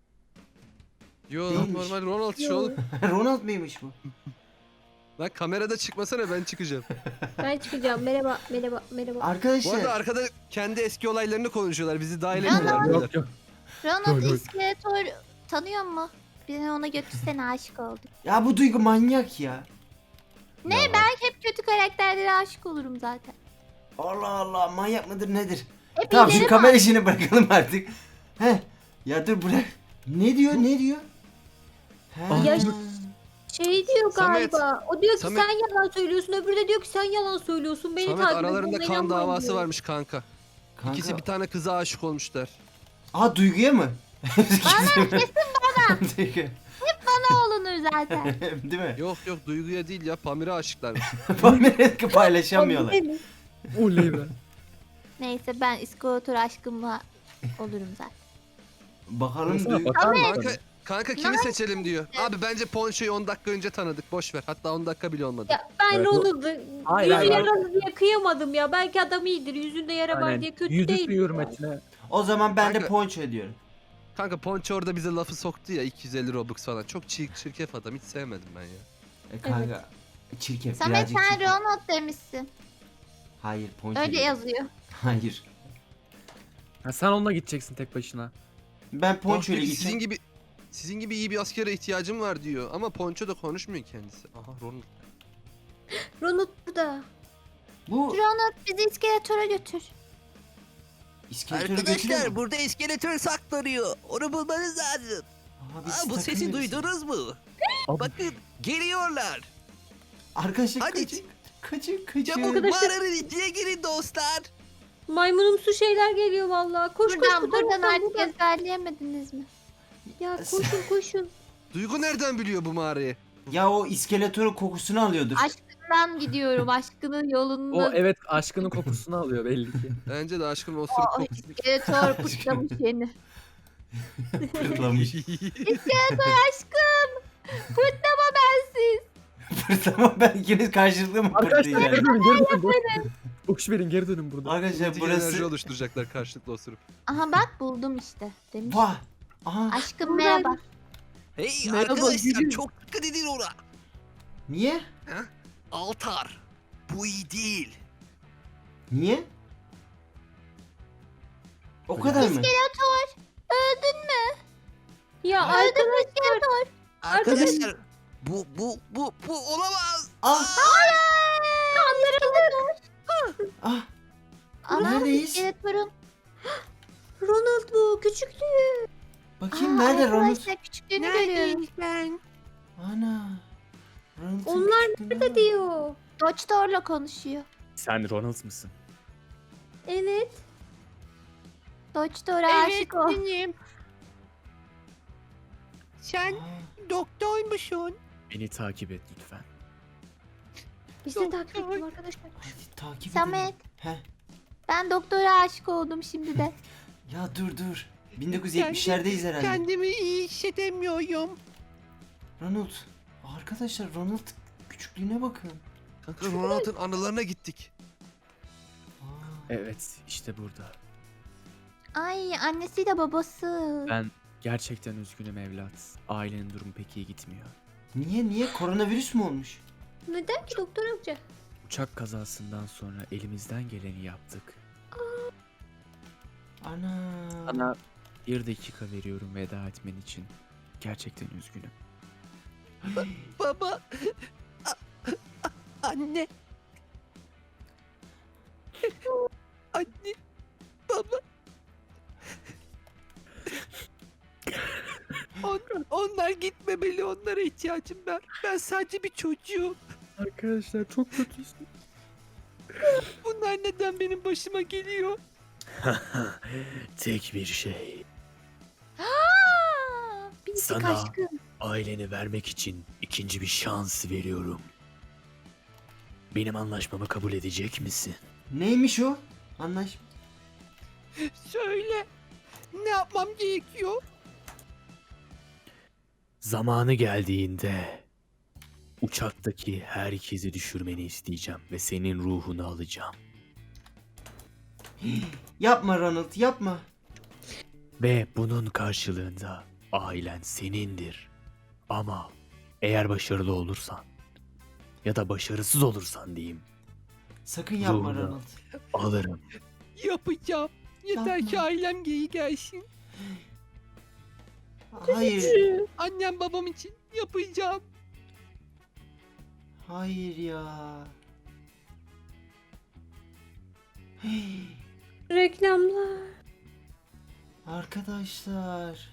[SPEAKER 3] Yo
[SPEAKER 4] Değilmiş.
[SPEAKER 3] normal Ronald şu oğlum.
[SPEAKER 4] Ronald mıymış bu?
[SPEAKER 3] Lan kamerada çıkmasana, ben çıkacağım.
[SPEAKER 2] Ben çıkacağım. Merhaba.
[SPEAKER 3] Bu
[SPEAKER 4] Arkadaşlar.
[SPEAKER 3] arada arkada kendi eski olaylarını konuşuyorlar, bizi dahil
[SPEAKER 1] Ya,
[SPEAKER 3] etmiyorlar.
[SPEAKER 5] Yok yok.
[SPEAKER 1] Ronald
[SPEAKER 7] Yok.
[SPEAKER 1] İskeletor tanıyor mu? Beni ona götürsene, aşık oldum.
[SPEAKER 4] Ya bu Duygu manyak ya.
[SPEAKER 1] Ne ben hep kötü karakterlere aşık olurum zaten.
[SPEAKER 4] Allah Allah, manyak mıdır nedir?
[SPEAKER 1] Hep
[SPEAKER 4] Tamam şu
[SPEAKER 1] iyileri
[SPEAKER 4] kamera işini bırakalım artık. Heh. Ya dur bırak. Ne diyor? Ha.
[SPEAKER 2] Ya şey diyor
[SPEAKER 3] Samet.
[SPEAKER 2] galiba. O diyor ki
[SPEAKER 3] Samet.
[SPEAKER 2] sen yalan söylüyorsun. Öbürü de diyor ki sen yalan söylüyorsun. Beni
[SPEAKER 3] Samet
[SPEAKER 2] takip et,
[SPEAKER 3] aralarında
[SPEAKER 2] bana
[SPEAKER 3] kan
[SPEAKER 2] inanmayın
[SPEAKER 3] davası
[SPEAKER 2] diyor.
[SPEAKER 3] varmış kanka.
[SPEAKER 4] Kanka.
[SPEAKER 3] İkisi bir tane kıza aşık olmuşlar.
[SPEAKER 4] Aa, Duygu'ya mı? Bana kesin bana. Duygu.
[SPEAKER 1] Ne olunur zaten.
[SPEAKER 4] Değil mi?
[SPEAKER 3] Yok yok, Duygu'ya değil ya, Pamir'e aşıklarmış.
[SPEAKER 4] Pamir'e paylaşamıyorlar.
[SPEAKER 2] Değil mi?
[SPEAKER 5] Oley be.
[SPEAKER 1] Neyse ben İskeletor aşkımla olurum zaten.
[SPEAKER 4] Bakalım
[SPEAKER 5] Baksana,
[SPEAKER 4] Duygu.
[SPEAKER 5] bakar mısın?
[SPEAKER 3] Kanka kimi seçelim diyor. Abi bence Poncho'yu 10 dakika önce tanıdık, boş ver. Hatta 10 dakika bile olmadı.
[SPEAKER 2] Ya ben
[SPEAKER 5] Evet,
[SPEAKER 2] Ronald'ı
[SPEAKER 5] Hayır,
[SPEAKER 2] yüzü
[SPEAKER 5] hayır.
[SPEAKER 2] yaralı diye kıyamadım ya. Belki adam iyidir. Yüzünde yara var
[SPEAKER 5] Aynen.
[SPEAKER 2] diye kötü
[SPEAKER 5] Yüzüstü
[SPEAKER 2] değil.
[SPEAKER 5] hürmetine.
[SPEAKER 4] O zaman ben de
[SPEAKER 3] Kanka.
[SPEAKER 4] Ponço diyorum.
[SPEAKER 3] Kanka Poncho orada bize lafı soktu ya, 250 Robux falan. Çok çirkef adam, hiç sevmedim ben ya.
[SPEAKER 4] Kanka. Çirkef.
[SPEAKER 1] Samet
[SPEAKER 4] birazcık
[SPEAKER 1] sen
[SPEAKER 4] çirkef.
[SPEAKER 1] Ronald demişsin.
[SPEAKER 4] Hayır Ponço.
[SPEAKER 1] Öyle
[SPEAKER 4] değil.
[SPEAKER 1] yazıyor.
[SPEAKER 4] Hayır.
[SPEAKER 5] Ha, sen onunla gideceksin tek başına.
[SPEAKER 4] Ben
[SPEAKER 3] Bak
[SPEAKER 4] Ponço ile
[SPEAKER 3] diyor ki,
[SPEAKER 4] gideceğim.
[SPEAKER 3] sizin gibi iyi bir askere ihtiyacım var diyor. Ama Poncho da konuşmuyor kendisi. Aha Ronald.
[SPEAKER 2] Ronald burada.
[SPEAKER 4] Bu
[SPEAKER 1] Ronald bizi İskeletor'a götür.
[SPEAKER 4] iskeletörü götürüyor mu?
[SPEAKER 8] burada iskeletör saklanıyor. Onu bulmanız lazım.
[SPEAKER 4] Aha, biz
[SPEAKER 8] Aa, bu sesi
[SPEAKER 4] takılıyoruz.
[SPEAKER 8] duydunuz mu?
[SPEAKER 5] Abi.
[SPEAKER 8] Bakın geliyorlar.
[SPEAKER 4] Arkadaşlar
[SPEAKER 8] Hadi.
[SPEAKER 4] kaçın.
[SPEAKER 8] Çabuk
[SPEAKER 2] Arkadaşlar-
[SPEAKER 8] mağaranın içine girin dostlar.
[SPEAKER 2] Maymunumsu şeyler geliyor vallahi. Koş
[SPEAKER 1] Buradan,
[SPEAKER 2] koş bu
[SPEAKER 1] buradan
[SPEAKER 2] taraftan,
[SPEAKER 1] artık
[SPEAKER 2] buradan.
[SPEAKER 1] ezberleyemediniz mi?
[SPEAKER 2] Ya koşun.
[SPEAKER 3] Duygu nereden biliyor bu mağarayı?
[SPEAKER 4] Ya o iskeletörün kokusunu alıyordur.
[SPEAKER 1] Aşkından gidiyorum. Aşkının yolunda.
[SPEAKER 5] O evet aşkının kokusunu alıyor belli ki.
[SPEAKER 3] Bence de aşkın o
[SPEAKER 1] O
[SPEAKER 3] sürük kokusu.
[SPEAKER 1] İskeletor pırtlamış yeni.
[SPEAKER 4] Fırlamış.
[SPEAKER 1] İskeletor aşkım. Pırtlama bensiz.
[SPEAKER 4] Fırlama, ben ikiniz karşılıklı mı
[SPEAKER 5] Arkadaşlar
[SPEAKER 4] fırlayacağız?
[SPEAKER 5] geri dönün geri dönün. Boş verin geri dönün burada.
[SPEAKER 4] Arkadaşlar
[SPEAKER 3] Burası... enerji
[SPEAKER 4] burası...
[SPEAKER 3] oluşturacaklar karşılıklı osurup.
[SPEAKER 1] Aha bak buldum işte. Demiş.
[SPEAKER 4] Vah! Aha,
[SPEAKER 1] Aşkım merhaba.
[SPEAKER 8] Hey
[SPEAKER 5] Merhaba,
[SPEAKER 8] arkadaşlar
[SPEAKER 5] gülüm.
[SPEAKER 8] çok dikkat edin ona.
[SPEAKER 4] niye?
[SPEAKER 8] Altar. Bu iyi değil.
[SPEAKER 4] Niye? O kadar mı?
[SPEAKER 1] İskeletor. Öldün mü?
[SPEAKER 2] Ya
[SPEAKER 1] Öldün
[SPEAKER 2] arkadaş
[SPEAKER 1] mü İskeletor?
[SPEAKER 8] Arkadaşlar bu olamaz.
[SPEAKER 4] Ah! Ah!
[SPEAKER 1] Ama
[SPEAKER 4] Neredeyiz?
[SPEAKER 1] İskeletor'un.
[SPEAKER 2] Ronald bu küçüklü.
[SPEAKER 4] Bakayım nerede Ronald?
[SPEAKER 1] Arkadaşlar küçüklüğünü görüyoruz.
[SPEAKER 4] Ana. Ronald'ın
[SPEAKER 2] Onlar
[SPEAKER 4] küçüklüğüne
[SPEAKER 2] nerede
[SPEAKER 4] bak.
[SPEAKER 2] diyor.
[SPEAKER 1] Dodge'tor'la konuşuyor.
[SPEAKER 7] Sen Ronald mısın?
[SPEAKER 2] Evet.
[SPEAKER 1] Dodge'tor'a aşık ol.
[SPEAKER 8] Sen
[SPEAKER 4] Aa,
[SPEAKER 8] doktormuşsun.
[SPEAKER 7] Beni takip et lütfen.
[SPEAKER 2] Biz de takip edelim arkadaşlar.
[SPEAKER 4] hadi takip
[SPEAKER 1] Samet.
[SPEAKER 4] edelim. Heh.
[SPEAKER 1] Ben doktora aşık oldum şimdi de.
[SPEAKER 4] Ya dur. 1970'lerdeyiz herhalde.
[SPEAKER 8] Kendimi iyi hissedemiyorum.
[SPEAKER 4] Ronald. Arkadaşlar Ronald küçüklüğüne bakın.
[SPEAKER 3] Kanka Ronald'ın anılarına gittik.
[SPEAKER 4] Aa,
[SPEAKER 7] Evet işte burada.
[SPEAKER 1] Ay annesiyle babası.
[SPEAKER 7] Ben gerçekten üzgünüm evlat. Ailenin durumu pek iyi gitmiyor.
[SPEAKER 4] niye? Koronavirüs mü olmuş?
[SPEAKER 2] Neden ki doktor amca?
[SPEAKER 7] Uçak kazasından sonra elimizden geleni yaptık.
[SPEAKER 4] Ana.
[SPEAKER 7] Sana 1 dakika veriyorum veda etmen için. Gerçekten üzgünüm.
[SPEAKER 8] Baba. Anne. Anne. Baba. Onlar gitmemeli. Onlara ihtiyacım var. Ben sadece bir çocuğum.
[SPEAKER 5] Arkadaşlar çok kötüsün.
[SPEAKER 8] Bunlar neden birden benim başıma geliyor.
[SPEAKER 7] Tek bir şey.
[SPEAKER 1] Pislik
[SPEAKER 7] Sana
[SPEAKER 1] aşkım.
[SPEAKER 7] aileni vermek için ikinci bir şans veriyorum. Benim anlaşmamı kabul edecek misin?
[SPEAKER 4] Neymiş o? Anlaş.
[SPEAKER 8] Söyle. Ne yapmam gerekiyor?
[SPEAKER 7] Zamanı geldiğinde uçaktaki herkesi düşürmeni isteyeceğim ve senin ruhunu alacağım.
[SPEAKER 4] Yapma Ronald, yapma.
[SPEAKER 7] Ve bunun karşılığında ailen senindir. Ama eğer başarılı olursan ya da başarısız olursan diyeyim,
[SPEAKER 4] Sakın yapma
[SPEAKER 7] Ruhunu.
[SPEAKER 4] Ronald.
[SPEAKER 7] alırım.
[SPEAKER 8] Yapacağım. Yeter
[SPEAKER 4] Yapma.
[SPEAKER 8] ki ailem geri gelsin.
[SPEAKER 4] Hayır.
[SPEAKER 8] Annem babam için yapacağım.
[SPEAKER 4] Hayır ya.
[SPEAKER 2] Reklamlar.
[SPEAKER 4] Arkadaşlar.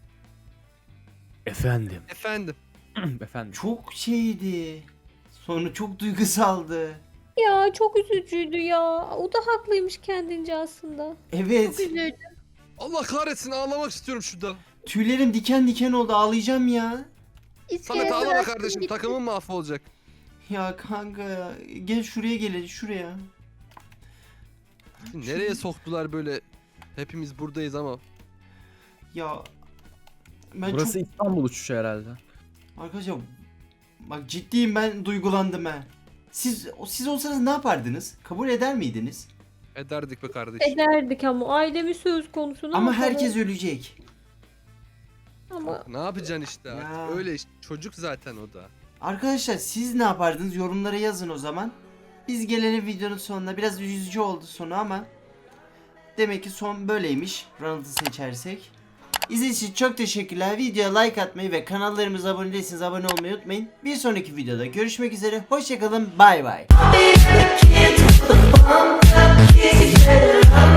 [SPEAKER 7] Efendim,
[SPEAKER 3] Efendim.
[SPEAKER 5] Efendim.
[SPEAKER 4] Çok şeydi. Sonu çok duygusaldı.
[SPEAKER 2] Ya çok üzücüydü ya. O da haklıymış kendince aslında.
[SPEAKER 4] Evet.
[SPEAKER 1] Üzüldüm.
[SPEAKER 3] Allah kahretsin ağlamak istiyorum şurada.
[SPEAKER 4] Tüylerim diken diken oldu. Ağlayacağım ya.
[SPEAKER 3] Samet ağlama
[SPEAKER 1] bıraktım
[SPEAKER 3] kardeşim
[SPEAKER 1] gitti.
[SPEAKER 3] takımın mahvolacak.
[SPEAKER 4] Ya kanka ya. Gel şuraya gelin şuraya.
[SPEAKER 3] Nereye soktular böyle? Hepimiz buradayız ama.
[SPEAKER 4] Ya. Ben
[SPEAKER 5] Burası
[SPEAKER 4] çok...
[SPEAKER 5] İstanbul uçuşu herhalde.
[SPEAKER 4] Arkadaşlar bak ciddiyim, ben duygulandım ha. Siz olsanız ne yapardınız? Kabul eder miydiniz?
[SPEAKER 3] Ederdik be kardeşim.
[SPEAKER 2] Ederdik ama ailemiz söz konusu. Ne
[SPEAKER 4] Ama
[SPEAKER 2] yapalım?
[SPEAKER 4] herkes ölecek.
[SPEAKER 2] Ama
[SPEAKER 3] Ne yapacaksın işte
[SPEAKER 4] Ya.
[SPEAKER 3] artık öyle işte. Çocuk zaten o da.
[SPEAKER 4] Arkadaşlar siz ne yapardınız? Yorumlara yazın o zaman. Biz gelelim videonun sonuna. Biraz üzücü oldu sonu ama demek ki son böyleymiş. Ronald'ı seçersek. İzlediğiniz için çok teşekkürler. Videoya like atmayı ve kanallarımıza abone değilseniz abone olmayı unutmayın. Bir sonraki videoda görüşmek üzere. Hoşçakalın. Bay bay.